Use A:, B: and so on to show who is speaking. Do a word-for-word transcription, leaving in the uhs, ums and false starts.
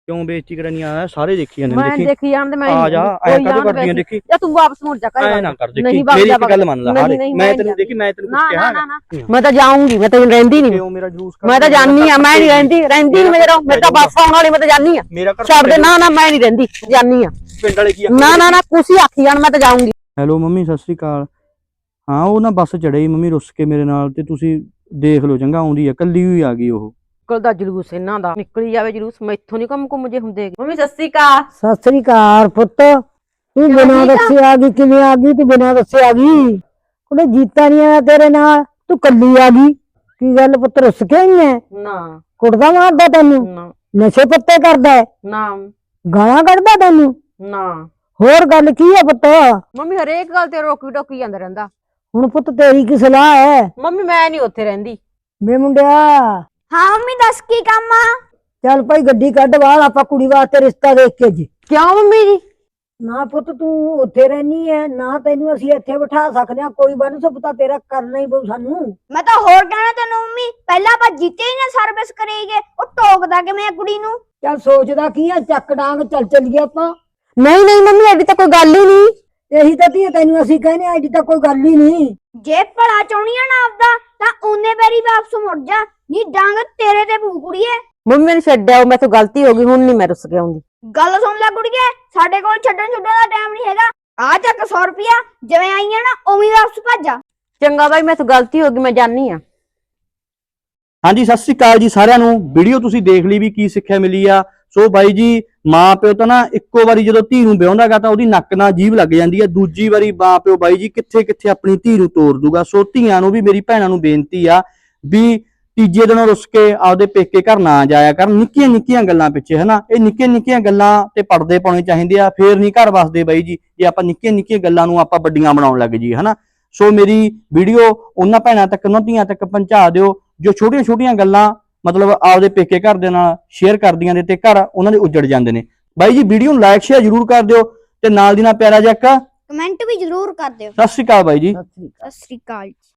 A: क्यों बेइज्जती करनी आया? सारे देखी जाने
B: मैं देखी जान मैं
A: आ जा ऐ कद कर दिया देखी
B: या तू वापस मुड़ जा
A: ऐ ना कर देखी मेरी एक गल मान ला हारे मैं तेनू देखी मैं तेनू कुछ कहा
B: ना ना मैं तो जाऊंगी मैं तो रहंदी नहीं
A: क्यों मेरा जूस
B: मैं तो जानी हां मैं नहीं रहंदी रहंदी नहीं मेरा मेरा तो वापस आने वाली मैं तो जानी हां
A: मेरा घर
B: छोड़ दे ना ना मैं नहीं रहंदी जानी हां
A: पिंड वाले की
B: ना ना ना कुछ ही आखी जान मैं तो जाऊंगी।
A: ਹੈਲੋ ਮੰਮੀ ਸਤਿ ਸ੍ਰੀ ਅਕਾਲ। ਹਾਂ ਉਹ ਨਾ ਬੱਸ ਚੜ੍ਹੀ ਮੰਮੀ ਰੁੱਸ ਕੇ ਮੇਰੇ ਨਾਲ ਤੇ ਤੁਸੀਂ ਦੇਖ ਲਓ ਚੰਗਾ ਆਉਂਦੀ ਆ ਕੱਲੀ ਹੋਈ ਆ ਗਈ ਉਹ
B: ਨਿਕਲਦਾ ਜਲੂਸ ਇਹਨਾਂ ਦਾ ਨਿਕਲੀ ਜਾਵੇ ਜਲੂਸ ਮੈਥੋਂ ਨਹੀਂ ਕੰਮ ਕੁਮ ਜੇ ਹੁੰਦੇ। ਮੰਮੀ ਸਤਿ ਸ੍ਰੀ ਅਕਾਲ।
C: ਸਤਿ ਸ੍ਰੀ ਅਕਾਲ ਪੁੱਤ ਤੂੰ ਬਿਨਾਂ ਦੱਸੇ ਆ ਗਈ ਕਿਵੇਂ ਆ ਗਈ ਤੂੰ ਬਿਨਾਂ ਦੱਸੇ ਆ ਗਈ ਕੁੜੇ ਜੀਤਾ ਨਹੀਂ ਆ ਤੇਰੇ ਨਾਲ ਤੂੰ ਕੱਲੀ ਆ ਗਈ ਕੀ ਗੱਲ ਪੁੱਤ ਰੁੱਸ ਕੇ ਆਈ ਐ
B: ਨਾ
C: ਕੁੜਦਾ ਮਾਰਦਾ ਤੈਨੂੰ
B: ਨਾ
C: ਨਸ਼ੇ ਪੱਤੇ ਕਰਦਾ ਹੈ
B: ਨਾ
C: ਗਾਲਾਂ ਕੱਢਦਾ ਤੈਨੂੰ
B: ਨਾ
C: ਹੋਰ ਗੱਲ ਕੀ ਹੈ ਪੁੱਤ
B: ਮੰਮੀ ਹਰੇਕ ਗੱਲ ਤੇ ਰੋਕੀ ਟੋਕੀ ਜਾਂਦਾ ਰਹਿੰਦਾ।
C: ਹੁਣ ਪੁੱਤ ਤੇਰੀ ਕੀ ਸਲਾਹ ਹੈ
B: ਮੰਮੀ ਮੈਂ ਨਹੀਂ ਉੱਥੇ ਰਹਿੰਦੀ।
C: ਵੇ ਮੁੰਡਿਆ
D: ਹਾਂ ਮੰਮੀ ਦੱਸ ਕੀ ਕੰਮ ਆ?
C: ਚੱਲ ਭਾਈ ਗੱਡੀ ਕੱਢ ਬਾਹਰ ਆਪਾਂ ਕੁੜੀ ਵਾਸਤੇ ਰਿਸ਼ਤਾ ਦੇਖ ਕੇ ਜੀ।
B: ਕਿਉਂ ਮੰਮੀ ਜੀ?
C: ਨਾ ਪੁੱਤ ਤੂੰ ਉੱਥੇ ਰਹਿਨੀ ਹੈ ਨਾ ਤੈਨੂੰ ਅਸੀਂ ਇੱਥੇ ਬਿਠਾ ਸਕਦੇ ਹਾਂ ਕੋਈ ਬੰਨ ਸੁਪਤਾ ਤੇਰਾ ਕਰਨਾ ਹੀ ਪਊ ਸਾਨੂੰ।
D: ਮੈਂ ਤਾਂ ਹੋਰ ਕਹਿਣਾ ਤੈਨੂੰ ਮੰਮੀ ਪਹਿਲਾਂ ਆਪਾਂ ਜਿੱਤੇ ਹੀ ਨਾ ਸਰਵਿਸ ਕਰੀਏ ਉਹ ਟੋਕਦਾ ਕਿਵੇਂ ਆ ਕੁੜੀ ਨੂੰ।
C: ਚੱਲ ਸੋਚਦਾ ਕੀ ਆ ਚੱਕ ਡਾਂਗ ਚੱਲ ਚੱਲੀਏ ਆਪਾਂ।
B: ਨਹੀਂ ਨਹੀਂ ਮੰਮੀ ਐਡੀ ਤਾਂ ਕੋਈ ਗੱਲ ਹੀ ਨਹੀਂ।
C: ਇਹੀ ਤਾਂ ਧੀਏ ਤੈਨੂੰ ਅਸੀਂ ਕਹਿੰਦੇ ਆ ਐਡੀ ਤਾਂ ਕੋਈ ਗੱਲ ਹੀ ਨਹੀਂ।
D: ਜੇ ਭਲਾ ਚਾਹੁੰਦੀ ਆ ਨਾ ਆਪਦਾ ਤਾਂ ਉਹਨੇ ਵਾਰੀ ਵਾਪਸ ਮੁੜ ਜਾ ਨੀ ਡਾਂਗ ਤੇਰੇ ਤੇ ਪੂ ਕੁੜੀਏ।
B: ਮੰਮੀ ਮੈਨੂੰ ਛੱਡਿਆ ਮੈਂ ਤੋਂ ਗਲਤੀ ਹੋ ਗਈ ਹੁਣ ਨਹੀਂ ਮੈਂ ਰੁੱਸ ਕੇ ਆਉਂਦੀ।
D: ਗੱਲ ਸੁਣ ਲੈ ਕੁੜੀਏ ਸਾਡੇ ਕੋਲ ਛੱਡਣ ਛੁੱਡਣ ਦਾ ਟਾਈਮ ਨਹੀਂ ਹੈਗਾ। ਆ ਚੱਕ ਸੌ ਰੁਪਿਆ ਜਿਵੇਂ ਆਈਆਂ ਨਾ ਉਵੇਂ ਵਾਪਸ ਭੱਜ ਜਾ।
B: ਚੰਗਾ ਬਾਈ ਮੈਂ ਤੋਂ ਗਲਤੀ ਹੋ ਗਈ ਮੈਂ ਜਾਨੀ ਆ।
A: ਹਾਂਜੀ ਸਤਿ ਸ੍ਰੀ ਅਕਾਲ ਜੀ ਸਾਰਿਆਂ ਨੂੰ। ਵੀਡੀਓ ਤੁਸੀਂ ਦੇਖ ਲਈ ਵੀ ਕੀ ਸਿੱਖਿਆ ਮਿਲੀ ਆ। ਸੋ ਬਾਈ ਜੀ ਮਾਂ ਪਿਓ ਤਾਂ ਨਾ ਇੱਕੋ ਵਾਰੀ ਜਦੋਂ ਧੀ ਨੂੰ ਵਿਆਹੁੰਦਾਗਾ ਤਾਂ ਉਹਦੀ ਨੱਕ ਨਾਲ ਜੀਭ ਲੱਗ ਜਾਂਦੀ ਹੈ। ਦੂਜੀ ਵਾਰੀ ਮਾਂ ਪਿਓ ਬਾਈ ਜੀ ਕਿੱਥੇ ਕਿੱਥੇ ਆਪਣੀ ਧੀ ਨੂੰ ਤੋਰ ਦੂਗਾ। ਸੋ ਧੀਆਂ ਨੂੰ ਵੀ ਮੇਰੀ ਭੈਣਾਂ ਨੂੰ ਬੇਨਤੀ ਆ ਵੀ ਤੀਜੇ ਦਿਨੋਂ ਰੁੱਸ ਕੇ ਆਪਦੇ ਪੇਕੇ ਘਰ ਨਾ ਜਾਇਆ ਕਰਨ ਨਿੱਕੀਆਂ ਨਿੱਕੀਆਂ ਗੱਲਾਂ ਪਿੱਛੇ ਹਨਾ। ਇਹ ਨਿੱਕੀਆਂ ਨਿੱਕੀਆਂ ਗੱਲਾਂ ਤੇ ਪਰਦੇ ਪਾਉਣੇ ਚਾਹੀਦੇ ਆ ਫੇਰ ਨਹੀਂ ਘਰ ਵਸਦੇ ਬਾਈ ਜੀ ਜੇ ਆਪਾਂ ਨਿੱਕੀਆਂ ਨਿੱਕੀਆਂ ਗੱਲਾਂ ਨੂੰ ਆਪਾਂ ਵੱਡੀਆਂ ਬਣਾਉਣ ਲੱਗ ਜੀ ਹਨਾ। ਸੋ ਮੇਰੀ ਵੀਡੀਓ ਉਹਨਾਂ ਭੈਣਾਂ ਤੱਕ ਉਹਨਾਂ ਧੀਆਂ ਤੱਕ ਪਹੁੰਚਾ ਦਿਓ ਜੋ ਛੋਟੀਆਂ ਛੋਟੀਆਂ ਗੱਲਾਂ ਮਤਲਬ ਆਪਦੇ ਪੇਕੇ ਘਰ ਦੇ ਨਾਲ ਸ਼ੇਅਰ ਕਰਦੀਆਂ ਨੇ ਤੇ ਘਰ ਉਹਨਾਂ ਦੇ ਉੱਜੜ ਜਾਂਦੇ ਨੇ। ਬਾਈ ਜੀ ਵੀਡੀਓ ਨੂੰ ਲਾਈਕ ਸ਼ੇਅਰ ਜ਼ਰੂਰ ਕਰ ਦਿਓ ਤੇ ਨਾਲ ਦੀ ਨਾਲ ਪਿਆਰਾ ਜਿਹਾ
D: ਕਮੈਂਟ ਵੀ ਜ਼ਰੂਰ ਕਰ ਦਿਓ।
A: ਸਤਿ ਸ਼੍ਰੀ ਅਕਾਲ ਬਾਈ ਜੀ।
D: ਸਤਿ ਸ੍ਰੀ ਅਕਾਲ।